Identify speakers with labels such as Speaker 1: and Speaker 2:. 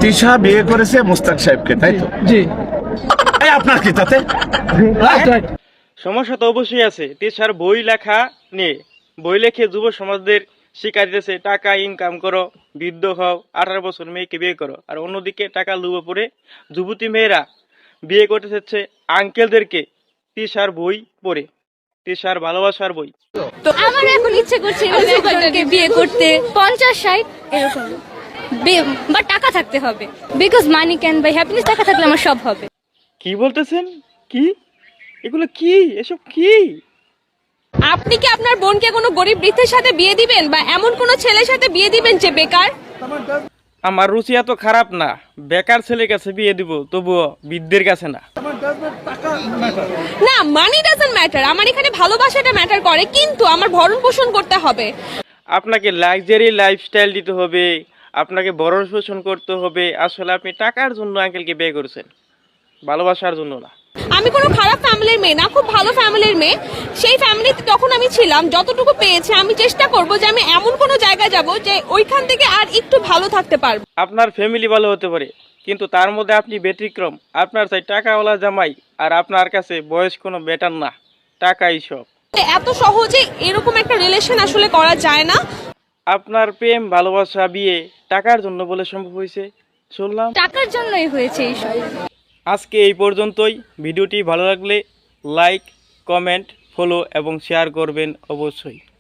Speaker 1: তিশা বিয়ে করেছে মুস্তাক সাহেবকে, তাই তো?
Speaker 2: জি।
Speaker 1: এই আপনার কি তাতে?
Speaker 3: সমস্যা তো অবশ্যই আছে। তিশার বই লেখা নিয়ে, বই লেখে যুব সমাজদের শিক্ষা দিতেছে টাকা ইনকাম করো, বৃদ্ধ হও, 18 বছর মেয়েকে বিয়ে করো। আর অন্যদিকে টাকা লোভে পড়ে যুবতী মেয়েরা বিয়ে করতে চাচ্ছে আঙ্কেলদেরকে তিশার বই পড়ে, তিশার ভালোবাসার বই।
Speaker 4: তো আমার এখন ইচ্ছে করছে এভাবে একজনকে বিয়ে করতে, 50-60 এরকম। বা টাকা থাকতে হবে, because money can buy happiness. টাকা থাকলে আমার সব হবে।
Speaker 3: কি বলতেছেন? কি এগুলো? কি এসব? কি
Speaker 5: আপনি কি আপনার বোনকে কোনো গরিব বৃদ্ধের সাথে বিয়ে দিবেন, বা এমন কোনো ছেলের সাথে বিয়ে দিবেন যে বেকার?
Speaker 3: আমার রুচি এত খারাপ না, বেকার ছেলের কাছে বিয়ে দিব, তবুও বৃদ্ধের কাছে না।
Speaker 5: না, মানি ডাজন্ট ম্যাটার। আমার এখানে ভালোবাসাটা ম্যাটার করে, কিন্তু আমার ভরণ পোষণ করতে হবে।
Speaker 3: আপনাকে লাক্সারি লাইফস্টাইল দিতে হবে, আপনাকে বড় শোষণ করতে হবে। আসলে আপনি টাকার জন্য আঙ্কেলকে বিয়ে করেছেন, ভালোবাসার জন্য না।
Speaker 5: আমি কোনো খারাপ ফ্যামিলির মেয়ে না, খুব ভালো ফ্যামিলির মেয়ে। সেই ফ্যামিলিতে তখন আমি ছিলাম, যতটুকু পেয়েছি আমি চেষ্টা করব যে আমি এমন কোনো জায়গায় যাব যে ওইখান থেকে আর একটু ভালো থাকতে পারবো।
Speaker 3: আপনার ফ্যামিলি ভালো হতে পারে, কিন্তু তার মধ্যে আপনি ব্যতিক্রম। আপনার চাই টাকাওয়ালা জামাই, আর আপনার কাছে বয়স কোনো ব্যাটার না, টাকাই সব।
Speaker 5: এত সহজে এরকম একটা রিলেশন আসলে করা যায় না।
Speaker 3: আপনার প্রেম ভালোবাসা বিয়ে টাকার জন্য বলে সম্ভব হয়েছে শুনলাম।
Speaker 4: টাকার জন্যই হয়েছে এইসব।
Speaker 3: আজকে এই পর্যন্তই। ভিডিওটি ভালো লাগলে লাইক, কমেন্ট, ফলো এবং শেয়ার করবেন অবশ্যই।